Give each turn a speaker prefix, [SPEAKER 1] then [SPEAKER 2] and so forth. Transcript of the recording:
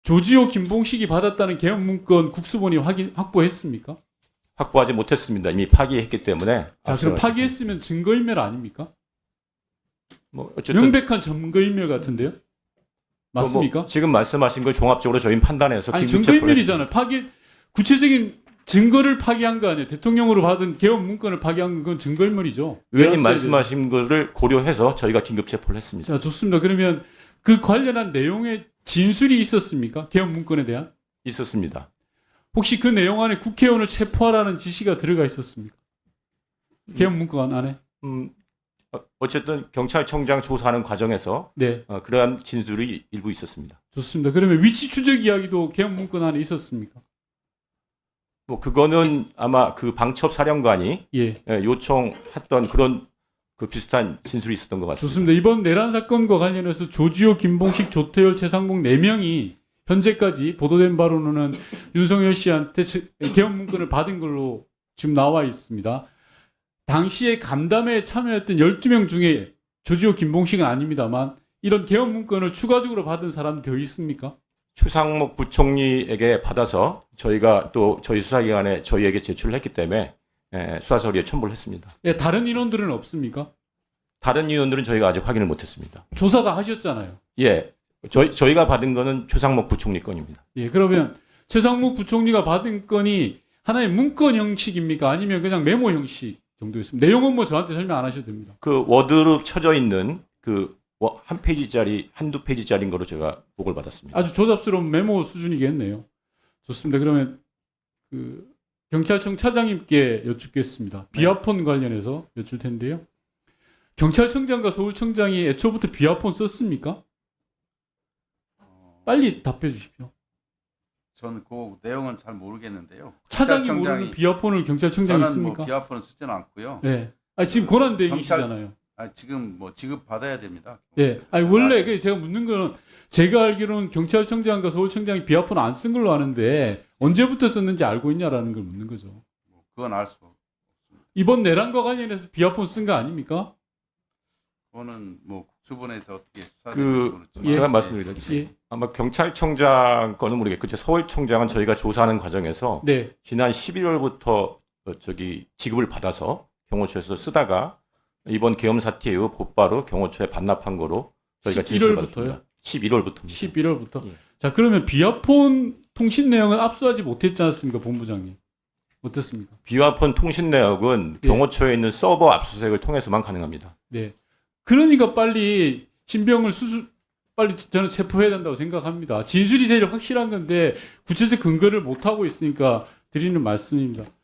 [SPEAKER 1] 조지호 김봉식이 받았다는 개헌 문건 국수본이 확보했습니까?
[SPEAKER 2] 확보하지 못했습니다. 이미 파기했기 때문에.
[SPEAKER 1] 자, 그럼 파기했으면 증거인멸 아닙니까?
[SPEAKER 2] 뭐 어쨌든
[SPEAKER 1] 명백한 증거인멸 같은데요? 맞습니까?
[SPEAKER 2] 뭐 지금 말씀하신 걸 종합적으로 저희는 판단해서
[SPEAKER 1] 아니,
[SPEAKER 2] 긴급 체포를
[SPEAKER 1] 증거인멸이잖아요. 구체적인 증거를 파기한 거 아니에요. 대통령으로 받은 개헌 문건을 파기한 건 증거인멸이죠.
[SPEAKER 2] 의원님 말씀하신 것을 고려해서 저희가 긴급 체포를 했습니다.
[SPEAKER 1] 자, 좋습니다. 그러면 그 관련한 내용의 진술이 있었습니까? 개헌 문건에 대한?
[SPEAKER 2] 있었습니다.
[SPEAKER 1] 혹시 그 내용 안에 국회의원을 체포하라는 지시가 들어가 있었습니까? 개헌 문건 안에?
[SPEAKER 2] 어쨌든 경찰청장 조사하는 과정에서
[SPEAKER 1] 네,
[SPEAKER 2] 그러한 진술이 일부 있었습니다.
[SPEAKER 1] 좋습니다. 그러면 위치 추적 이야기도 개헌 문건 안에 있었습니까?
[SPEAKER 2] 뭐 그거는 아마 그 방첩 사령관이
[SPEAKER 1] 예,
[SPEAKER 2] 요청했던 그런 그 비슷한 진술이 있었던 것 같습니다.
[SPEAKER 1] 좋습니다. 이번 내란 사건과 관련해서 조지호, 김봉식, 조태열, 최상목 4명이 현재까지 보도된 바로는 윤석열 씨한테 개헌 문건을 받은 걸로 지금 나와 있습니다. 당시에 간담회에 참여했던 12명 중에 조지호, 김봉식은 아닙니다만 이런 개헌 문건을 추가적으로 받은 사람이 더 있습니까?
[SPEAKER 2] 최상목 부총리에게 받아서 저희가 또 저희 수사기관에 저희에게 제출을 했기 때문에 수사서류에 첨부를 했습니다.
[SPEAKER 1] 예, 다른 인원들은 없습니까?
[SPEAKER 2] 다른 인원들은 저희가 아직 확인을 못했습니다.
[SPEAKER 1] 조사 다 하셨잖아요.
[SPEAKER 2] 예, 저희가 받은 거는 최상목 부총리 건입니다.
[SPEAKER 1] 예, 그러면 최상목 부총리가 받은 건이 하나의 문건 형식입니까? 아니면 그냥 메모 형식 정도였습니까? 내용은 뭐 저한테 설명 안 하셔도 됩니다.
[SPEAKER 2] 그 워드로 쳐져 있는 그 한 페이지짜리, 한두 페이지짜리인 거로 제가 보고를 받았습니다.
[SPEAKER 1] 아주 조잡스러운 메모 수준이겠네요. 좋습니다. 그러면 그 경찰청 차장님께 여쭙겠습니다. 비아폰 관련해서 여쭐 텐데요. 경찰청장과 서울청장이 애초부터 비아폰 썼습니까? 빨리 답해 주십시오.
[SPEAKER 3] 저는 그 내용은 잘 모르겠는데요.
[SPEAKER 1] 차장이
[SPEAKER 3] 경찰청장이-
[SPEAKER 1] 모르는 비아폰을 경찰청장이
[SPEAKER 3] 저는
[SPEAKER 1] 있습니까?
[SPEAKER 3] 뭐 비아폰을 쓰지는 않고요.
[SPEAKER 1] 네. 아, 지금 권한 대행이시잖아요.
[SPEAKER 3] 지금 뭐 지급 받아야 됩니다.
[SPEAKER 1] 예. 아니 원래 제가 묻는 거는 제가 알기로는 경찰청장과 서울청장이 비아폰 안 쓴 걸로 아는데 언제부터 썼는지 알고 있냐라는 걸 묻는 거죠.
[SPEAKER 3] 그건 알 수 없습니다.
[SPEAKER 1] 이번 내란과 관련해서 비아폰 쓴 거 아닙니까?
[SPEAKER 3] 그거는 뭐 국수본에서 어떻게
[SPEAKER 2] 그
[SPEAKER 3] 수사되는지
[SPEAKER 2] 제가
[SPEAKER 1] 예.
[SPEAKER 2] 말씀드리겠습니다.
[SPEAKER 1] 예.
[SPEAKER 2] 아마 경찰청장 거는 모르겠고 서울청장은 저희가 조사하는 과정에서
[SPEAKER 1] 네.
[SPEAKER 2] 지난 11월부터 저기 지급을 받아서 경호처에서 쓰다가 이번 계엄 사태 이후 곧바로 경호처에 반납한 거로 저희가
[SPEAKER 1] 11월부터요?
[SPEAKER 2] 11월부터.
[SPEAKER 1] 11월부터.
[SPEAKER 2] 예.
[SPEAKER 1] 자, 그러면 비아폰 통신 내용은 압수하지 못했지 않습니까, 본부장님? 어떻습니까?
[SPEAKER 2] 비아폰 통신 내역은
[SPEAKER 1] 예.
[SPEAKER 2] 경호처에 있는 서버 압수수색을 통해서만 가능합니다.
[SPEAKER 1] 네. 그러니까 빨리 신병을 빨리 저는 체포해야 된다고 생각합니다. 진술이 제일 확실한 건데 구체적 근거를 못 하고 있으니까 드리는 말씀입니다.